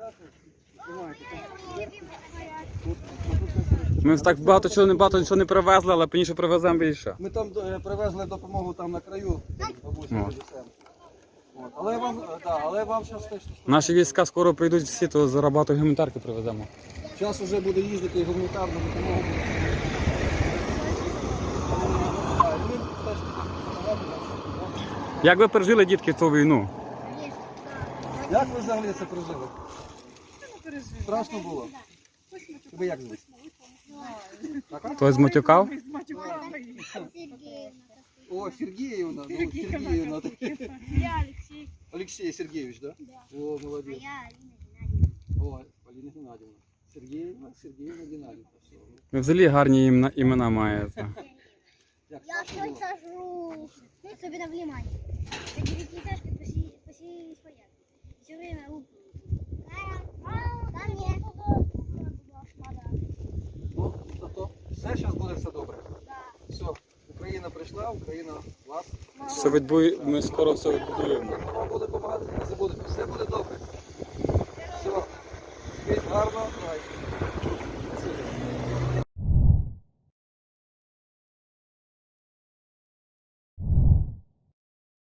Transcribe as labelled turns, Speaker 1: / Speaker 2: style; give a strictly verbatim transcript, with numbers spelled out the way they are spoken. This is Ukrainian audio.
Speaker 1: Ми так багато чого не багато нічого не привезли, але пізніше привеземо більше.
Speaker 2: Ми там е, привезли допомогу там на краю, бабусі,
Speaker 1: О.
Speaker 2: привеземо. От. Але вам, е, да, але вам зараз теж
Speaker 1: Наші війська скоро прийдуть всі, то зараз багато гуманітарки привеземо.
Speaker 2: час вже буде їздити і гуманітарну допомогу.
Speaker 1: Як ви пережили, дітки, цю війну?
Speaker 2: Як ви взагалі це пережили? Страшно було? Тебе як звуть?
Speaker 1: Хтось змотюкав?
Speaker 2: О, Сергіївна, ну, Сергіївна.
Speaker 3: Я Алексей.
Speaker 2: Олексій Сергійович, да? О, молодець.
Speaker 3: Я Алина Геннадьевна.
Speaker 2: О, Поліна Геннадівна. Сергіївна, Сергіївна Геннадівна. Все.
Speaker 1: Ви взагалі гарні імена, імена маєте.
Speaker 2: Як
Speaker 3: Я
Speaker 2: страшно
Speaker 3: все
Speaker 2: було?
Speaker 3: сажу. Ну, особенно внимание. Это девятиэтажка поселились порядок. Все время лупают. Там нет.
Speaker 2: Ну, зато все зараз буде все добре.
Speaker 3: Да.
Speaker 2: Все, Україна прийшла, Україна вас.
Speaker 1: Все відбує, ми скоро все відбудуємо.
Speaker 2: Вам буде допомагати, не забудете, все буде